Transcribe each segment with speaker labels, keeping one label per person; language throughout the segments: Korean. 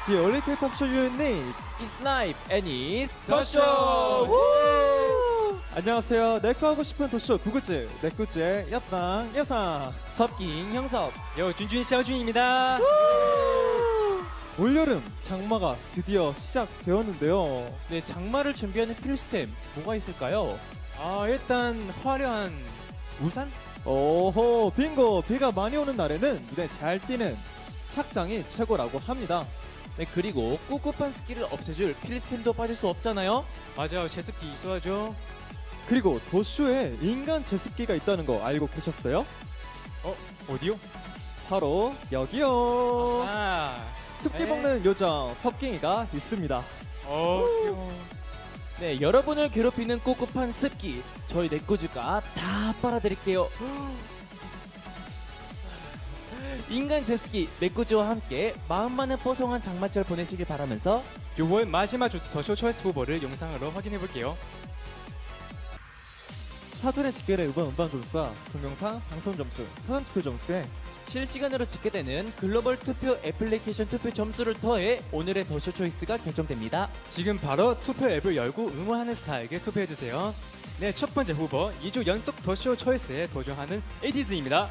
Speaker 1: The only K-pop show you need.
Speaker 2: It's live and it's the
Speaker 1: 더쇼!
Speaker 2: show.
Speaker 1: 안녕하세요. 내꺼 하고 싶은 도쇼 구구즈 내꾸즈의 여당 여상.
Speaker 2: 섭깅 형섭.
Speaker 3: 준준 샤오준입니다.
Speaker 1: 올여름 장마가 드디어 시작되었는데요.
Speaker 2: 네, 장마를 준비하는 필수템 뭐가 있을까요?
Speaker 3: 일단 화려한 우산?
Speaker 1: 오호 빙고. 비가 많이 오는 날에는 눈에 잘 띄는 착장이 최고라고 합니다.
Speaker 2: 네, 그리고 꿉꿉한 습기를 없애줄 필수템도 빠질 수 없잖아요.
Speaker 3: 맞아요, 제습기 있어야죠.
Speaker 1: 그리고 도쇼에 인간 제습기가 있다는 거 알고 계셨어요?
Speaker 3: 어디요?
Speaker 1: 바로 여기요. 습기
Speaker 3: 에?
Speaker 1: 먹는 요정 섭깅이가 있습니다.
Speaker 3: 귀여워.
Speaker 2: 네, 여러분을 괴롭히는 꿉꿉한 습기 저희 내꾸즈가 다 빨아드릴게요. 인간 제습기 내꾸즈와 함께 마음만은 뽀송한 장마철 보내시길 바라면서
Speaker 3: 요번 마지막 주 더쇼 초이스 후보를 영상으로 확인해 볼게요.
Speaker 1: 사전에 집계된 음반 점수와 동영상 방송 점수, 사전 투표 점수에
Speaker 2: 실시간으로 집계되는 글로벌 투표 애플리케이션 투표 점수를 더해 오늘의 더쇼 초이스가 결정됩니다.
Speaker 3: 지금 바로 투표 앱을 열고 응원하는 스타에게 투표해 주세요. 네, 첫 번째 후보 2주 연속 더쇼 초이스에 도전하는 에이티즈입니다.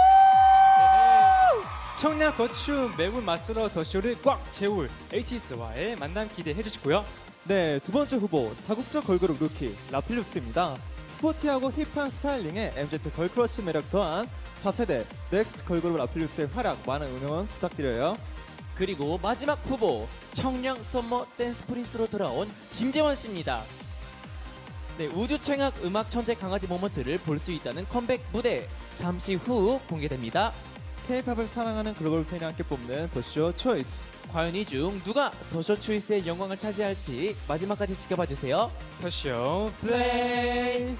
Speaker 3: 청량 고추 매운 맛으로 더쇼를 꽉 채울 에이티즈와의 만남 기대해 주시고요.
Speaker 1: 네, 두 번째 후보 다국적 걸그룹 루키 라필루스입니다. 스포티하고 힙한 스타일링에 MZ 걸크러쉬 매력 더한 4세대 넥스트 걸그룹 라필루스의 활약 많은 응원 부탁드려요.
Speaker 2: 그리고 마지막 후보 청량 썸머 댄스 프린스로 돌아온 김재원 씨입니다. 네, 우주 최악 음악 천재 강아지 모먼트를 볼 수 있다는 컴백 무대 잠시 후 공개됩니다.
Speaker 1: K-팝을 사랑하는 글로벌 팬이 함께 뽑는 더쇼 초이스.
Speaker 2: 과연 이 중 누가 더쇼 초이스의 영광을 차지할지 마지막까지 지켜봐 주세요.
Speaker 3: 더쇼
Speaker 2: 플레이.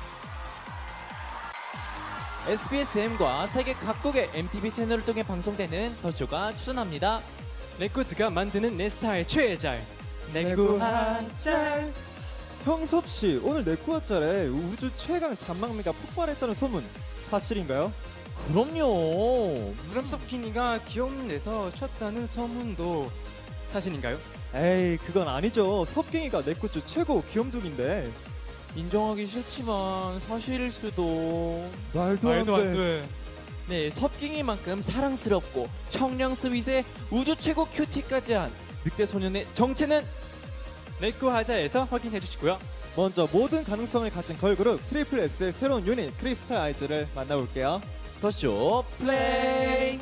Speaker 2: SBSM과 세계 각국의 MTV 채널을 통해 방송되는 더쇼가 추천합니다.
Speaker 3: 내꾸즈가 만드는 내 스타일 최애잘 내구 한짤.
Speaker 1: 형섭 씨, 오늘 내꾸아짤에 우주 최강 잔망미가 폭발했다는 소문 사실인가요?
Speaker 2: 그럼요.
Speaker 3: 무람석키니가 귀여운 데서 쳤다는 소문도 사실인가요?
Speaker 1: 에이, 그건 아니죠. 섭깅이가 내꾸즈 최고 귀염둥인데.
Speaker 2: 인정하기 싫지만 사실일 수도.
Speaker 1: 말도 안 돼.
Speaker 2: 네, 섭깅이만큼 사랑스럽고 청량 스윗의 우주 최고 큐티까지 한 늑대 소년의 정체는
Speaker 3: 내꾸 하자에서 확인해 주시고요.
Speaker 1: 먼저 모든 가능성을 가진 걸그룹 트리플 S의 새로운 유닛 크리스탈 아이즈를 만나볼게요.
Speaker 2: 더쇼 플레이.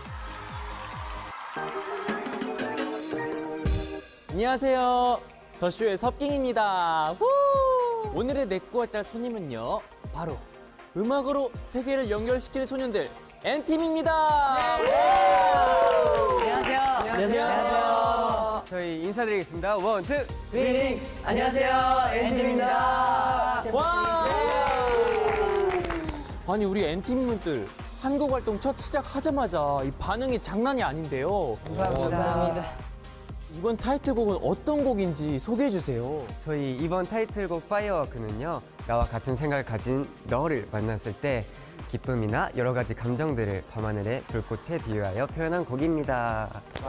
Speaker 2: 안녕하세요. 더쇼의 섭깅입니다. 후! 오늘의 내꾸아짤 손님은요, 바로 음악으로 세계를 연결시키는 소년들 N팀입니다.
Speaker 4: 안녕하세요. 저희 인사드리겠습니다. 원, 투, 윙. 안녕하세요. 엔팀입니다.
Speaker 2: 와! 아니, 우리 N팀분들 한국 활동 첫 시작하자마자 이 반응이 장난이 아닌데요.
Speaker 4: 감사합니다.
Speaker 2: 이번 타이틀곡은 어떤 곡인지 소개해 주세요.
Speaker 4: 저희 이번 타이틀곡 파이어워크는요, 나와 같은 생각을 가진 너를 만났을 때 기쁨이나 여러 가지 감정들을 밤하늘의 불꽃에 비유하여 표현한 곡입니다.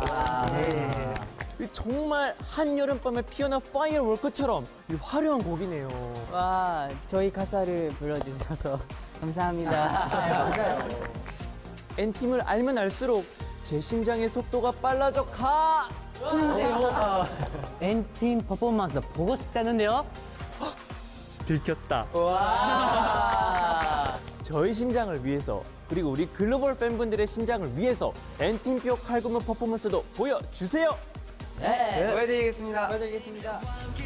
Speaker 2: 정말 한여름밤에 피어난 파이어워크처럼 이 화려한 곡이네요.
Speaker 5: 와, 저희 가사를 불러주셔서 감사합니다.
Speaker 2: N팀을 알면 알수록 제 심장의 속도가 빨라져 가!
Speaker 5: N팀 퍼포먼스 보고 싶다는데요?
Speaker 1: 들켰다.
Speaker 2: 저희 심장을 위해서, 그리고 우리 글로벌 팬분들의 심장을 위해서 N팀표 칼군무 퍼포먼스도 보여주세요!
Speaker 5: 네.
Speaker 4: 보여드리겠습니다.
Speaker 5: 보여드리겠습니다.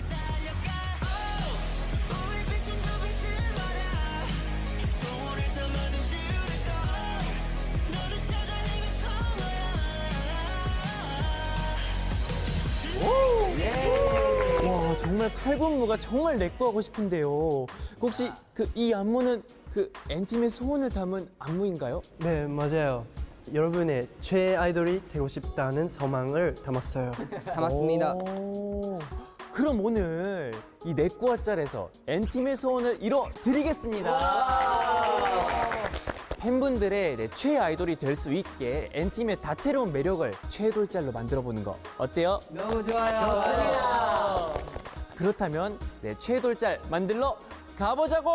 Speaker 2: 와, 정말 칼군무가 정말 내꺼 하고 싶은데요. 혹시 이 안무는 N팀의 소원을 담은 안무인가요?
Speaker 6: 네, 맞아요. 여러분의 최애 아이돌이 되고 싶다는 소망을 담았어요.
Speaker 5: 담았습니다.
Speaker 2: 그럼 오늘 이 내꺼 짤에서 N팀의 소원을 이뤄드리겠습니다.
Speaker 7: 팬분들의 최애 아이돌이 될 수 있게 N팀의 다채로운 매력을 최애돌짤로 만들어보는 거 어때요?
Speaker 4: 너무 좋아요.
Speaker 7: 그렇다면 최애돌짤 만들러 가보자고!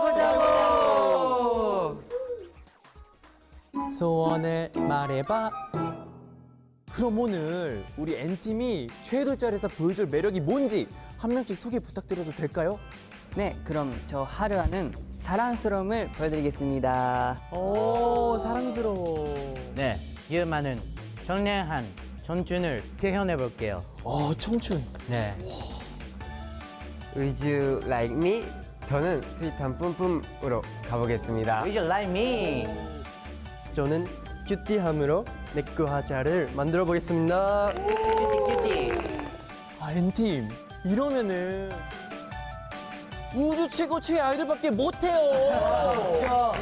Speaker 7: 소원을 말해봐. 그럼 오늘 우리 N팀이 최애돌짤에서 보여줄 매력이 뭔지 한 명씩 소개 부탁드려도 될까요?
Speaker 5: 네, 그럼 저 하루하는 사랑스러움을 보여드리겠습니다.
Speaker 7: 오, 사랑스러워.
Speaker 5: 네, 유만은 청량한 청춘을 표현해 볼게요.
Speaker 7: 청춘.
Speaker 5: 네.
Speaker 4: Would you like me? 저는 스윗한 뿜뿜으로 가보겠습니다.
Speaker 5: Would you like me?
Speaker 6: 저는 큐티함으로 내꺼 하자를 만들어 보겠습니다.
Speaker 5: 큐티.
Speaker 7: N팀 이러면은 우주 최고 최애 아이돌밖에 못해요.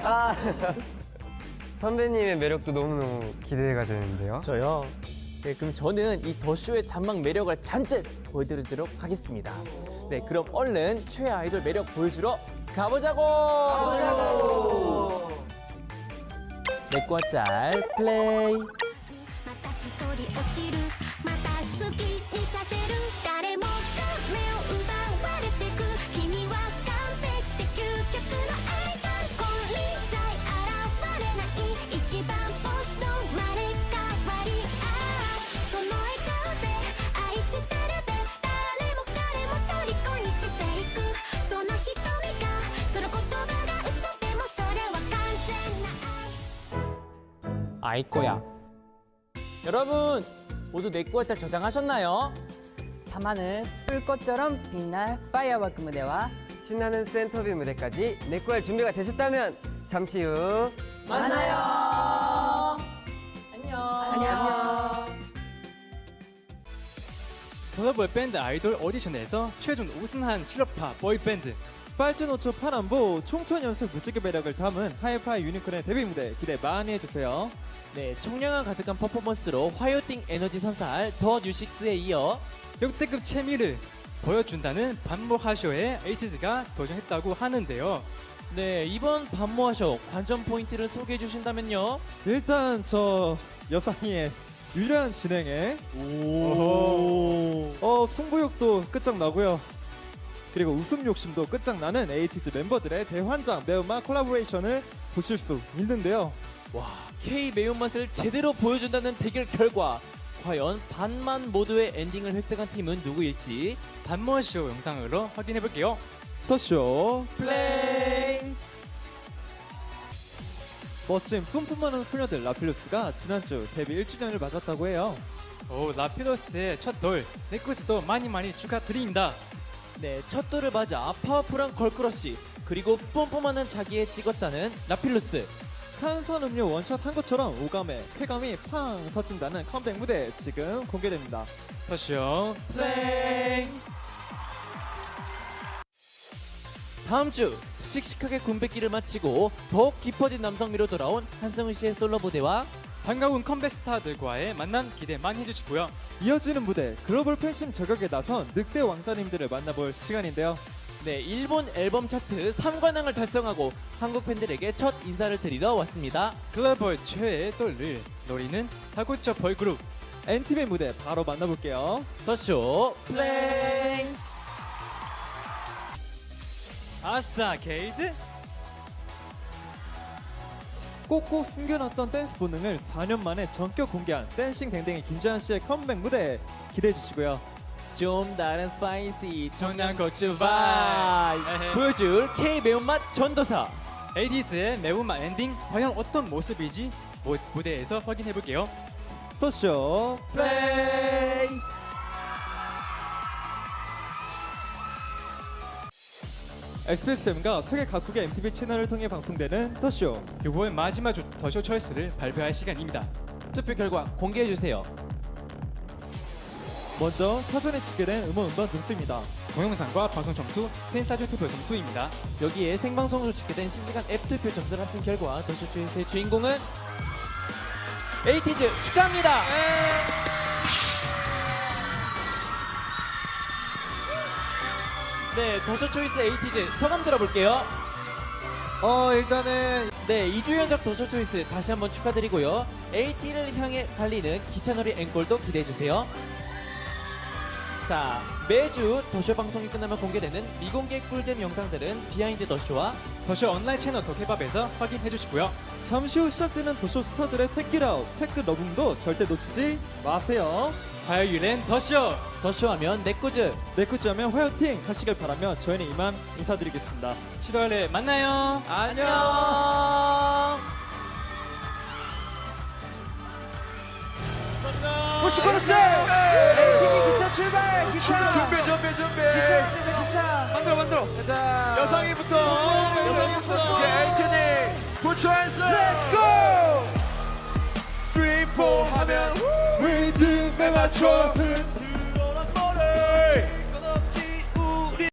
Speaker 4: 선배님의 매력도 너무너무 기대가 되는데요.
Speaker 7: 저요. 네, 그럼 저는 이 더쇼의 잔망 매력을 잔뜩 보여드리도록 하겠습니다. 네, 그럼 얼른 최애 아이돌 매력 보여주러 가보자고. 내꺼 짤 플레이.
Speaker 8: また一人落ちるまた好きにさせる誰もが目を奪われてく君は完璧で究極のアイドル金輪際現れない一番星の生まれ変わりその笑顔で愛してるで誰も彼も虜にしていくその瞳がその言葉が嘘でもそれは完全な愛
Speaker 7: 아이꼬야. 여러분 모두 내꺼 짤 저장하셨나요?
Speaker 5: 밤하늘 불꽃처럼 빛날 파이어워크 무대와
Speaker 4: 신나는 센터빌 무대까지 내꺼 할 준비가 되셨다면 잠시 후
Speaker 7: 만나요.
Speaker 4: 안녕.
Speaker 3: 글로벌 밴드 아이돌 오디션에서 최종 우승한 실업파 보이밴드
Speaker 1: 빨주노초 파남보 총천 연속 무지개 매력을 담은 하이파이 유니콘의 데뷔 무대 기대 많이 해주세요.
Speaker 2: 네, 청량함 가득한 퍼포먼스로 화요팅 에너지 선사할 더 뉴식스에 이어
Speaker 3: 역대급 케미를 보여준다는 반모하쇼에 에이티즈가 도전했다고 하는데요.
Speaker 2: 네, 이번 반모하쇼 관전 포인트를 소개해 주신다면요.
Speaker 1: 일단 저 여상이의 유려한 진행에 승부욕도 끝장나고요. 그리고 웃음 욕심도 끝장나는 에이티즈 멤버들의 대환장 매운맛 콜라보레이션을 보실 수 있는데요.
Speaker 2: K 매운맛을 제대로 보여준다는 대결 결과 과연 반만 모두의 엔딩을 획득한 팀은 누구일지
Speaker 3: 반모하쇼 영상으로 확인해볼게요.
Speaker 1: 더쇼
Speaker 2: 플레이.
Speaker 1: 멋진 뿜뿜하는 소녀들 라필루스가 지난주 데뷔 1주년을 맞았다고 해요.
Speaker 3: 오, 라피도스의 첫 돌, 네코즈도 많이 축하드립니다.
Speaker 2: 네, 첫 돌을 맞아 파워풀한 걸크러쉬 그리고 뿜뿜하는 자기에 찍었다는 라필루스.
Speaker 1: 탄산음료 원샷 한 것처럼 오감에 쾌감이 팡 터진다는 컴백 무대 지금 공개됩니다.
Speaker 3: 더쇼
Speaker 2: 플레이. 다음 주 씩씩하게 군백기를 마치고 더욱 깊어진 남성미로 돌아온 한성은 씨의 솔로 무대와
Speaker 3: 반가운 컴백 스타들과의 만남 기대 많이 해주시고요.
Speaker 1: 이어지는 무대 글로벌 팬심 저격에 나선 늑대 왕자님들을 만나볼 시간인데요.
Speaker 2: 네, 일본 앨범 차트 3관왕을 달성하고 한국 팬들에게 첫 인사를 드리러 왔습니다.
Speaker 3: 글로벌 최애의 돌을 노리는 다구처 걸그룹
Speaker 1: N팀의 무대 바로 만나볼게요.
Speaker 2: 더쇼 플레이.
Speaker 3: 아싸 게이드.
Speaker 1: 꼭꼭 숨겨놨던 댄스 본능을 4년 만에 전격 공개한 댄싱 댕댕이 김재환 씨의 컴백 무대 기대해 주시고요.
Speaker 2: 좀 다른 스파이시
Speaker 3: 청양고추
Speaker 2: 바이
Speaker 3: 바이.
Speaker 2: 보여줄 K 매운맛 전도사.
Speaker 3: 에이티즈의 매운맛 엔딩 과연 어떤 모습이지 무대에서 확인해볼게요.
Speaker 1: 더쇼
Speaker 2: 플레이.
Speaker 1: SBSM과 세계 각국의 MTV 채널을 통해 방송되는 더쇼.
Speaker 3: 6월 마지막 주 더쇼 초이스를 발표할 시간입니다.
Speaker 2: 투표 결과 공개해 주세요.
Speaker 1: 먼저 사전에 집계된 음원 음반 점수입니다.
Speaker 3: 동영상과 방송 점수, 팬사주 투표 점수입니다.
Speaker 2: 여기에 생방송으로 집계된 실시간 앱 투표 점수를 합친 결과 더쇼 초이스의 주인공은 에이티즈 축하합니다. 네, 더쇼 초이스 에이티즈 소감 들어볼게요.
Speaker 9: 일단은
Speaker 2: 네, 2주 연속 도쇼 초이스 다시 한번 축하드리고요. AT를 향해 달리는 기차놀이 앵콜도 기대해주세요. 자, 매주 더쇼 방송이 끝나면 공개되는 미공개 꿀잼 영상들은 비하인드 더쇼와
Speaker 3: 더쇼 온라인 채널 더케밥에서 확인해 주시고요.
Speaker 1: 잠시 후 시작되는 도쇼 스타들의 택기라우, 택그 러붕도 절대 놓치지 마세요.
Speaker 3: 화요일엔 더쇼!
Speaker 2: 더쇼하면 내꾸즈.
Speaker 1: 네쿠즈하면 화요팅 하시길 바라며 저희는 이만 인사드리겠습니다.
Speaker 3: 7월에 만나요.
Speaker 2: 안녕.
Speaker 7: 기차 출발! 기차! 준비! 기차 만드세요, 기차! 만들어! 여성이부터! 오케이, 에이티니! 부처한스! 렛츠고! 3, 4 하면 리듬에 맞춰